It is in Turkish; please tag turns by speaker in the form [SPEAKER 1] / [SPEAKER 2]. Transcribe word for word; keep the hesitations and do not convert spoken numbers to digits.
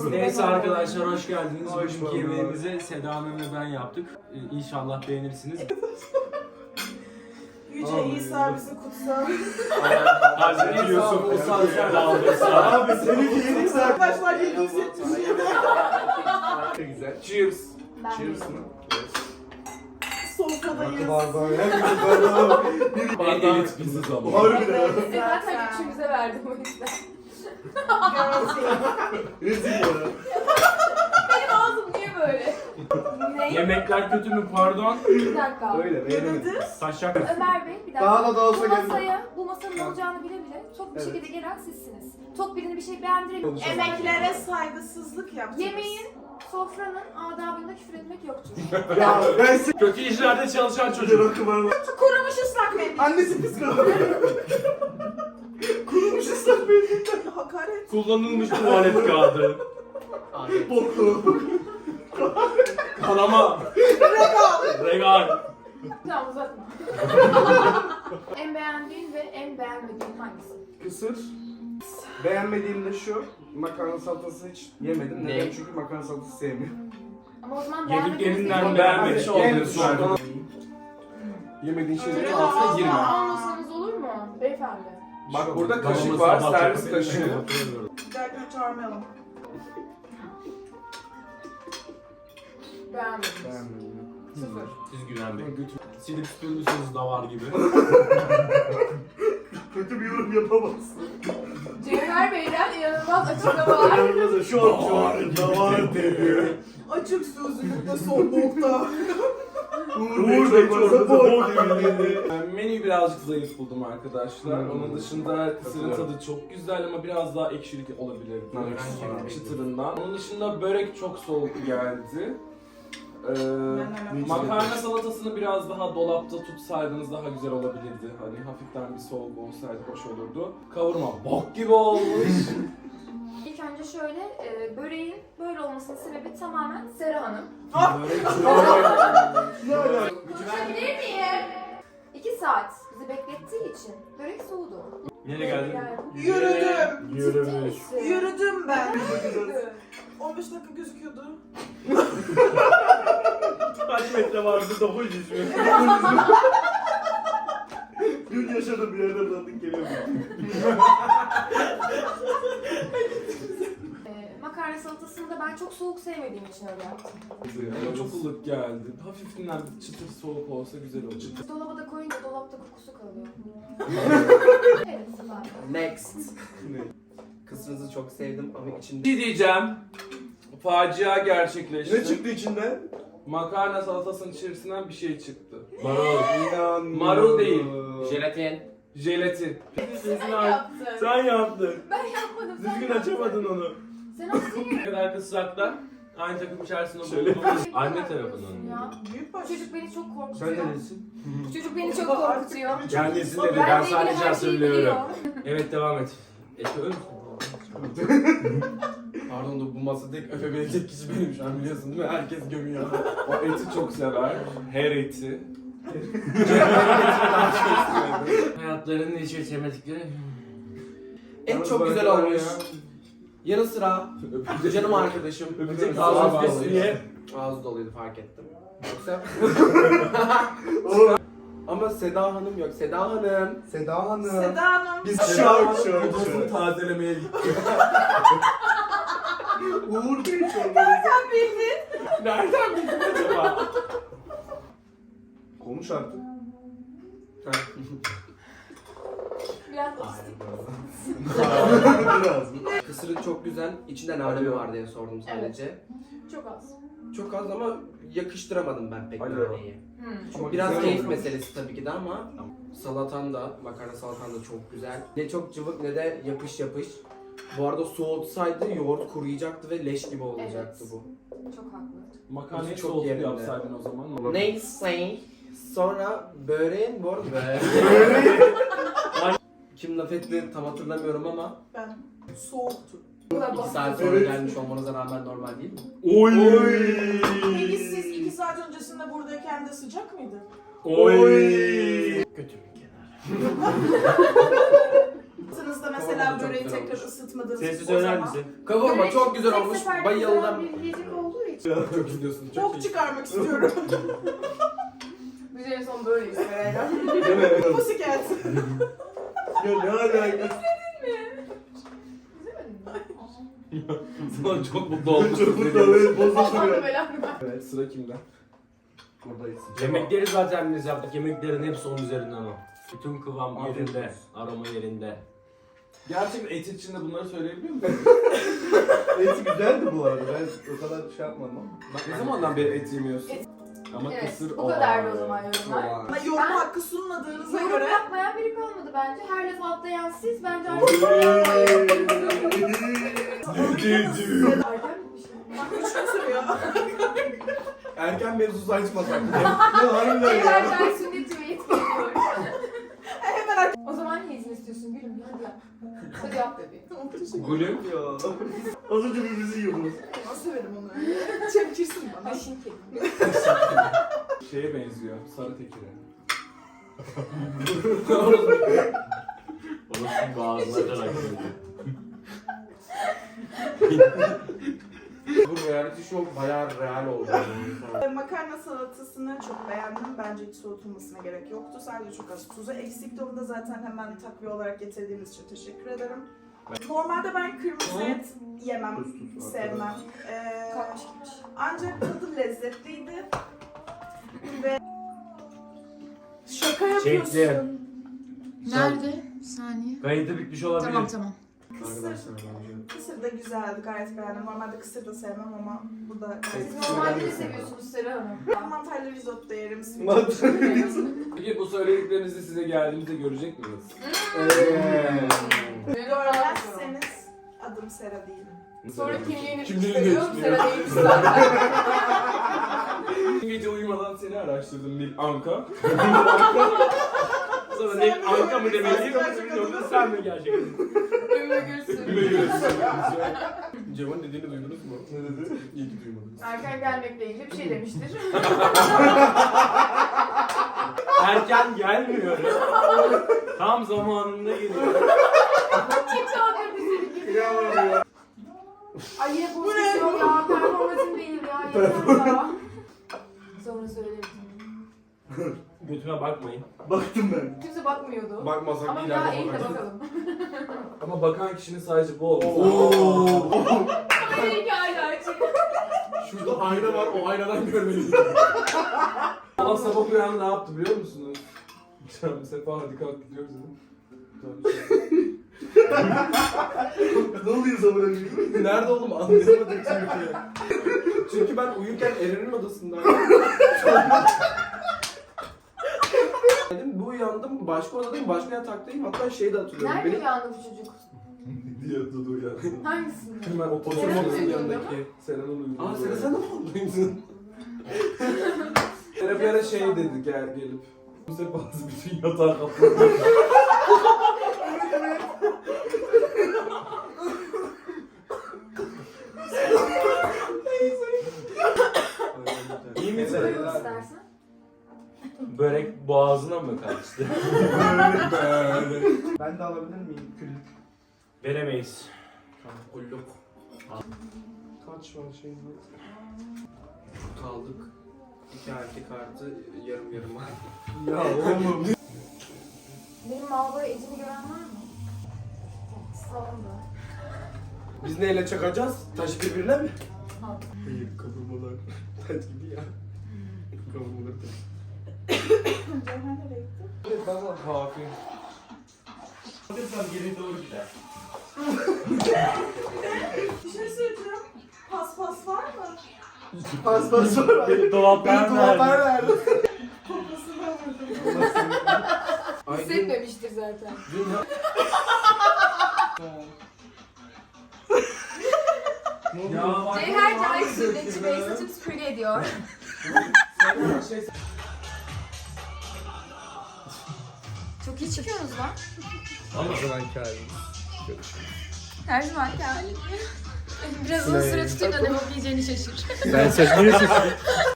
[SPEAKER 1] Neyse arkadaşlar hoş geldiniz.
[SPEAKER 2] Hoş
[SPEAKER 1] Bugünkü
[SPEAKER 2] bulduk.
[SPEAKER 1] yemeğimizi Seda Hanım ve ben yaptık. Ee, İnşallah beğenirsiniz.
[SPEAKER 3] Yüce İsa bizi kutsal.
[SPEAKER 1] Hazreti Yusuf Musa Zerdal'da.
[SPEAKER 2] Abi seninki yedik zaten.
[SPEAKER 3] Arkadaşlar yedi yüz yetmiş yedi.
[SPEAKER 2] Güzel. Cheers.
[SPEAKER 4] Ben
[SPEAKER 2] Cheers
[SPEAKER 4] de.
[SPEAKER 2] mı?
[SPEAKER 3] Sofradayız.
[SPEAKER 2] Bardağı ya. Bir bardağı. Bir
[SPEAKER 1] En elit biziz ama.
[SPEAKER 2] Harbiden.
[SPEAKER 4] Zaten üçümüze verdim o yüzden.
[SPEAKER 2] Rezil ya.
[SPEAKER 4] Benim ağzım niye böyle? Ne?
[SPEAKER 1] Yemekler kötü mü pardon?
[SPEAKER 4] Bir dakika.
[SPEAKER 2] Öyle beğenemedim.
[SPEAKER 1] Taşak.
[SPEAKER 4] Ömer Bey bir dakika.
[SPEAKER 2] Daha da da olsa
[SPEAKER 4] bu
[SPEAKER 2] geldi.
[SPEAKER 4] masaya, bu masanın olacağını bile bile tok bir
[SPEAKER 2] Evet.
[SPEAKER 4] şekilde gelen sizsiniz. Tok birine bir şey beğendirelim.
[SPEAKER 3] Emeklere saygısızlık yaptınız.
[SPEAKER 4] Yemeğin, sofranın adabında küfür etmek yoktur.
[SPEAKER 2] Ya ben size
[SPEAKER 1] Kötü işlerde çalışan
[SPEAKER 2] çocuk
[SPEAKER 1] çocuk.
[SPEAKER 2] akıma.
[SPEAKER 3] Kurumuş ıslak mendil.
[SPEAKER 2] Annesi psikolog. Kurumuş ıslak mendil.
[SPEAKER 3] Hakaret.
[SPEAKER 1] Kullanılmış tuvalet kağıdı.
[SPEAKER 2] Boklu.
[SPEAKER 1] Kanama. Regal.
[SPEAKER 4] Tamam uzatma. En beğendiğin ve en beğenmediğin hangisi?
[SPEAKER 2] Kısır. Beğenmediğim de şu. Makarna salatası hiç yemedim. Neden? Çünkü makarna salatası sevmiyorum.
[SPEAKER 4] Ama o zaman beğenmediğiniz
[SPEAKER 1] Yediklerinden
[SPEAKER 4] bir-
[SPEAKER 1] beğenmemiş
[SPEAKER 2] Abi, en
[SPEAKER 1] olduğunu sordu.
[SPEAKER 2] Yemediğin şeylerin
[SPEAKER 4] Öyle
[SPEAKER 2] altına
[SPEAKER 4] ağzına
[SPEAKER 2] girme.
[SPEAKER 4] almasanız olur mu beyefendi?
[SPEAKER 2] Bak burada kaşık
[SPEAKER 1] Babamız
[SPEAKER 2] var,
[SPEAKER 1] sabah
[SPEAKER 2] servis
[SPEAKER 1] çok-
[SPEAKER 2] kaşığı.
[SPEAKER 1] Hatırlamıyorum.
[SPEAKER 3] Dertimi çağırmayalım.
[SPEAKER 4] Beğenmedim.
[SPEAKER 2] Beğenmedim.
[SPEAKER 4] Sıfır.
[SPEAKER 1] Siz güvenmeyin. Silip süpürmüşsünüz davar gibi.
[SPEAKER 2] Kötü bir yorum yapamazsın.
[SPEAKER 4] Cevher Bey'den inanılmaz açıklamalar.
[SPEAKER 2] Yapamazsın. Şu an şu an davar dedi.
[SPEAKER 3] Açık sözlülükte son nokta.
[SPEAKER 2] Uğur Bey çorbası bol dedi.
[SPEAKER 5] Ben menüyü birazcık zayıf buldum arkadaşlar. Onun dışında kısırın tadı çok güzel ama biraz daha ekşilik olabilirdi.
[SPEAKER 2] Evet.
[SPEAKER 5] Çıtırından. Onun dışında börek çok soğuk geldi. Ee, makarna salatasını biraz daha dolapta tutsaydınız daha güzel olabilirdi. Hani hafiften bir soğuk olsaydı hoş olurdu. Kavurma bok gibi olmuş.
[SPEAKER 4] İlk önce şöyle, e, böreğin böyle olmasının sebebi tamamen Sera Hanım.
[SPEAKER 5] Börek
[SPEAKER 4] Konuşabilir miyim? İki saat bizi beklettiği için börek soğudu.
[SPEAKER 1] Nereye geldin?
[SPEAKER 3] Yürüdüm.
[SPEAKER 4] Ciddi misin?
[SPEAKER 3] Yürüdüm ben. on beş dakika gözüküyordu.
[SPEAKER 1] Kaç metre vardı dokuz yüz mü?
[SPEAKER 2] Dün yaşadığım bir yerden tanıdık geliyor.
[SPEAKER 4] E, makarna salatasını da ben çok soğuk sevmediğim için öyle yaptım.
[SPEAKER 5] Ama çok ılık geldi. Hafiften çıtır soğuk olsa güzel olur.
[SPEAKER 4] Dolaba da koyunca dolapta kokusu kalıyor. Evet, süper.
[SPEAKER 6] Next. Kısmınızı çok sevdim ama
[SPEAKER 5] Bir
[SPEAKER 6] içinde
[SPEAKER 5] şey diyeceğim. Facia gerçekleşti.
[SPEAKER 2] Ne çıktı içinden?
[SPEAKER 5] Makarna salatasının içerisinden bir şey çıktı.
[SPEAKER 1] Marul.
[SPEAKER 2] İnan.
[SPEAKER 5] Marul değil.
[SPEAKER 6] jelatin.
[SPEAKER 5] Jelatin.
[SPEAKER 4] Sen yaptın.
[SPEAKER 1] Sen yaptın.
[SPEAKER 4] Ben yapmadım. sen
[SPEAKER 1] Düzgün
[SPEAKER 4] yaptın.
[SPEAKER 1] açamadın onu.
[SPEAKER 4] Sen açtın.
[SPEAKER 1] Ne kadar kısraklar aynı takım içerisinde
[SPEAKER 5] Şöyle.
[SPEAKER 1] bulunduğumuz anne tarafından.
[SPEAKER 4] Ya.
[SPEAKER 3] Büyük
[SPEAKER 4] Bu
[SPEAKER 3] baş.
[SPEAKER 4] çocuk beni çok
[SPEAKER 2] Sen
[SPEAKER 4] korkutuyor.
[SPEAKER 2] neresin?
[SPEAKER 4] Bu çocuk beni çok korkutuyor.
[SPEAKER 1] Kendisi dedi
[SPEAKER 4] Ben
[SPEAKER 1] ben
[SPEAKER 4] de ilgili
[SPEAKER 1] sadece
[SPEAKER 4] her şeyi
[SPEAKER 1] söylüyorum.
[SPEAKER 4] biliyor.
[SPEAKER 1] Evet devam et. Eşi ölmüş.
[SPEAKER 5] Pardon da bu masada tek öpebilecek kişi benim şu an biliyorsun değil mi? Herkes gömüyor. O eti çok sever. Her eti.
[SPEAKER 1] Hayatlarının hiç geçemedikleri.
[SPEAKER 6] Et çok güzel olmuş. Yanı sıra canım arkadaşım.
[SPEAKER 1] Öpecek
[SPEAKER 6] Ağzı
[SPEAKER 1] ağzı
[SPEAKER 6] doluydu.
[SPEAKER 1] besliye.
[SPEAKER 6] Ağzı doluydu fark ettim. Yoksa
[SPEAKER 2] Oğlum.
[SPEAKER 6] ama Seda Hanım yok. Seda Hanım.
[SPEAKER 2] Seda Hanım.
[SPEAKER 3] Seda Hanım.
[SPEAKER 2] Biz şok şok
[SPEAKER 5] Kafasını
[SPEAKER 2] şok.
[SPEAKER 5] tazelemeye gitti.
[SPEAKER 2] Uğur Bey çorbası.
[SPEAKER 3] Sen bildin.
[SPEAKER 5] Nereden bildin acaba?
[SPEAKER 2] Konuş artık.
[SPEAKER 4] Biraz otistik.
[SPEAKER 2] Biraz.
[SPEAKER 6] Kısırın çok güzel. İçinde nane mi var diye sordum sadece.
[SPEAKER 4] Çok az.
[SPEAKER 6] Çok az ama yakıştıramadım ben pek
[SPEAKER 2] Alo.
[SPEAKER 6] naneyi.
[SPEAKER 4] Hmm.
[SPEAKER 6] Biraz
[SPEAKER 2] Güzel
[SPEAKER 6] keyif
[SPEAKER 2] olmuş.
[SPEAKER 6] meselesi tabii ki de ama salatan da, makarna salatan da çok güzel. Ne çok cıvık ne de yapış yapış. Bu arada soğutsaydı yoğurt kuruyacaktı ve leş gibi olacaktı
[SPEAKER 4] Evet.
[SPEAKER 6] bu.
[SPEAKER 4] Çok haklı.
[SPEAKER 5] Makarnayı
[SPEAKER 6] Çok
[SPEAKER 5] soğutup
[SPEAKER 6] yerinde.
[SPEAKER 5] yapsaydın o zaman.
[SPEAKER 6] Neyse. Sonra böreğin bu arada kim laf etti tam hatırlamıyorum ama
[SPEAKER 3] Ben. Soğuktu.
[SPEAKER 6] iki saat sonra
[SPEAKER 2] Evet.
[SPEAKER 6] gelmiş olmanıza rağmen normal değil mi?
[SPEAKER 1] Oy.
[SPEAKER 3] Peki siz iki saat öncesinde buradayken de sıcak mıydı?
[SPEAKER 1] Oy.
[SPEAKER 6] Kötü bir kenar.
[SPEAKER 3] Sınızda mesela
[SPEAKER 6] Kavurma da çok
[SPEAKER 3] böreği
[SPEAKER 6] güzel
[SPEAKER 3] tekrar
[SPEAKER 6] olmuş.
[SPEAKER 3] ısıtmadınız.
[SPEAKER 1] Sessiz
[SPEAKER 3] o
[SPEAKER 1] söyler
[SPEAKER 3] zaman
[SPEAKER 1] misin?
[SPEAKER 6] Kavurma
[SPEAKER 4] Börek
[SPEAKER 6] çok güzel
[SPEAKER 4] tek
[SPEAKER 6] olmuş.
[SPEAKER 4] seferde
[SPEAKER 6] Bayıldım.
[SPEAKER 4] yapılan bir yiyecek olduğu için.
[SPEAKER 6] Çok gidiyorsun. Çok
[SPEAKER 3] Bok
[SPEAKER 6] iyi.
[SPEAKER 3] çıkarmak istiyorum.
[SPEAKER 4] Biz en son böyleyiz Seray'la.
[SPEAKER 3] Pussycat.
[SPEAKER 2] Ya ne alaka?
[SPEAKER 5] Sana çok mutlu oldum.
[SPEAKER 2] Çok mutlu oluyor. Bozuldu
[SPEAKER 4] Allah'ım
[SPEAKER 2] ya.
[SPEAKER 4] belanı.
[SPEAKER 5] Evet, sıra kimde?
[SPEAKER 2] Buradayız.
[SPEAKER 1] Yemekleri zaten biz yaptık. Yemeklerin hepsi onun üzerinden o. Bütün kıvam
[SPEAKER 2] Afiyet
[SPEAKER 1] yerinde,
[SPEAKER 2] olsun.
[SPEAKER 1] aroma yerinde.
[SPEAKER 5] Gerçekten et içinde bunları söyleyebiliyor musun?
[SPEAKER 2] Eti güzeldi bu arada. Ben o kadar şey yapmadım ama.
[SPEAKER 5] Ne zamandan beri et yemiyorsun?
[SPEAKER 4] Et-
[SPEAKER 5] Ama
[SPEAKER 4] Evet,
[SPEAKER 5] kısır
[SPEAKER 4] bu kadardı o zaman yorumlar.
[SPEAKER 3] Ama yorum
[SPEAKER 4] Ben-
[SPEAKER 3] hakkı sunmadığınıza
[SPEAKER 4] Yorum
[SPEAKER 3] göre
[SPEAKER 4] yapmayan biri kalmadı bence. Her lafı atlayan siz. Bence artık Erken bir şey.
[SPEAKER 3] bak üç gün sürüyor.
[SPEAKER 2] Erken mevzusu açmasak. Ya harbiden ya.
[SPEAKER 4] Evlerden sünneti ve et geliyor.
[SPEAKER 3] Hemen
[SPEAKER 4] O zaman ne izin istiyorsun gülüm? Hadi yap. Hadi yap bebeğim.
[SPEAKER 1] Gülüm.
[SPEAKER 2] Ya. Az önce birbirimizi yiyordunuz.
[SPEAKER 3] nasıl severim onu öyle. Çemkirsin bana.
[SPEAKER 4] Aşın kelime.
[SPEAKER 5] Şeye benziyor, sarı tekire.
[SPEAKER 1] Onun boğazına açarak söylüyor.
[SPEAKER 6] Bu reality show bayağı real oldu.
[SPEAKER 3] Makarna salatasını çok beğendim. Bence hiç soğutulmasına gerek yoktu. Sadece çok az tuzu eksikti. Onu da zaten hemen takviye olarak getirdiğiniz için teşekkür ederim. Normalde ben kırmızı et yemem,
[SPEAKER 2] Tuz, tuz,
[SPEAKER 3] sevmem. Ee,
[SPEAKER 4] Kalkmış gitmiş.
[SPEAKER 3] ancak tadı lezzetliydi. Ve şaka yapıyorsun.
[SPEAKER 1] Şekli.
[SPEAKER 7] Nerede? Bir saniye.
[SPEAKER 1] Kayıtı bitmiş olabilir.
[SPEAKER 7] Tamam tamam.
[SPEAKER 3] Kısır, kısır da güzeldi, gayet beğendim. Normalde kısır da sevmem ama bu da gayet
[SPEAKER 4] Siz
[SPEAKER 3] güzel.
[SPEAKER 4] normalde ne seviyorsunuz Sera Hanım?
[SPEAKER 3] Ben mantarlı risotto yerim.
[SPEAKER 2] Mantarlı
[SPEAKER 5] Peki bu söylediklerinizi size geldiğimizde görecek miyiz?
[SPEAKER 3] Görmezseniz adım Sera değil.
[SPEAKER 4] Sonra kimliğini
[SPEAKER 5] Kimliğini
[SPEAKER 4] gösteriyor.
[SPEAKER 5] gösteriyor.
[SPEAKER 4] Sera değilmiş zaten.
[SPEAKER 5] Dün gece uyumadan seni araştırdım Nil Anka.
[SPEAKER 1] Sonra ne Anka mı demeliyim yoksa sen mi gerçekten?
[SPEAKER 4] Ümmü Gülsün.
[SPEAKER 5] Cevan dediğini duydunuz mu?
[SPEAKER 2] Ne dedi?
[SPEAKER 5] İyi ki duymadınız.
[SPEAKER 4] Erken gelmekle ilgili bir şey demiştir.
[SPEAKER 1] Erken gelmiyor. Tam zamanında geliyor.
[SPEAKER 4] Kim çağırıyor bizi?
[SPEAKER 2] Kıyamam ya.
[SPEAKER 4] Ay yine pozisyon ya. Performansım değil ya. Yeter ya. Sonra söylerim.
[SPEAKER 1] Götüme bakmayın.
[SPEAKER 2] Baktım ben.
[SPEAKER 4] Kimse bakmıyordu.
[SPEAKER 6] Bakmasak
[SPEAKER 4] Ama
[SPEAKER 6] ileride
[SPEAKER 4] daha iyi de
[SPEAKER 6] bakarız.
[SPEAKER 4] bakalım.
[SPEAKER 5] Ama bakan kişinin sadece bu oldu.
[SPEAKER 4] Ama iyi ki hala açık.
[SPEAKER 6] Şurada ayna var, o aynadan görmeliyiz.
[SPEAKER 5] Ama sabah uyan ne yaptı biliyor musunuz? Canım Sefa hadi kalk gidiyoruz dedim.
[SPEAKER 2] Ne oluyor zaman önce?
[SPEAKER 6] Nerede oğlum anlayamadım çünkü. Çünkü ben uyurken Eren'in odasındaydım. Dedim bu uyandım başka odadayım başka yataktayım hatta şeyi de hatırlıyorum.
[SPEAKER 4] Nerede
[SPEAKER 6] Benim
[SPEAKER 4] uyandı bu çocuk?
[SPEAKER 5] diye Dudu uyandı.
[SPEAKER 4] Hangisinde?
[SPEAKER 5] Hemen oturma
[SPEAKER 4] Seren'in
[SPEAKER 5] odasının
[SPEAKER 4] uyuduğunda
[SPEAKER 5] yanındaki Seren'in uyuduğu.
[SPEAKER 6] Aa Seren sen de mi oradaymışsın?
[SPEAKER 5] Seren bir ara şey dedi gel gelip. Bu sefer bazı bütün yatağı kapladı.
[SPEAKER 1] İyi misin?
[SPEAKER 4] Buyurun istersen.
[SPEAKER 1] Börek boğazına mı kaçtı?
[SPEAKER 2] Ben de alabilir miyim küllük?
[SPEAKER 1] Veremeyiz.
[SPEAKER 6] Kulluk.
[SPEAKER 2] Kaç var şey mi?
[SPEAKER 6] Kaldık. İki erkek artı yarım yarım var.
[SPEAKER 2] Ya oğlum.
[SPEAKER 4] Benim Malbora Ece'ni gören var mı? Salonda.
[SPEAKER 6] Biz neyle çakacağız? Taş birbirine mi?
[SPEAKER 4] Al.
[SPEAKER 6] Hayır kavurmalar. Taş gibi ya. Kavurmalar taş.
[SPEAKER 3] Ceyhan nereye gitti?
[SPEAKER 5] Evet bana kafi.
[SPEAKER 1] Alırsan geri doğru gider.
[SPEAKER 3] Bir şey söyleyeceğim. Paspas var mı?
[SPEAKER 2] Pas pas var.
[SPEAKER 1] Beni dolaptan
[SPEAKER 2] Dolaplar
[SPEAKER 1] verdi.
[SPEAKER 2] verdi.
[SPEAKER 3] Koklasını alırdım.
[SPEAKER 6] Ay, dün,
[SPEAKER 4] Hissetmemiştir zaten.
[SPEAKER 6] dün ya...
[SPEAKER 1] Ya bak.
[SPEAKER 4] Ceyher Cahil sünnetçi bey saçım süpürge ediyor.
[SPEAKER 5] Sen şey
[SPEAKER 4] Çok iyi çıkıyorsunuz lan.
[SPEAKER 6] O zaman halimiz.
[SPEAKER 4] Her zamanki halim. Biraz uzun süre tutayım da ne bok yiyeceğini şaşır.
[SPEAKER 6] Ben saçını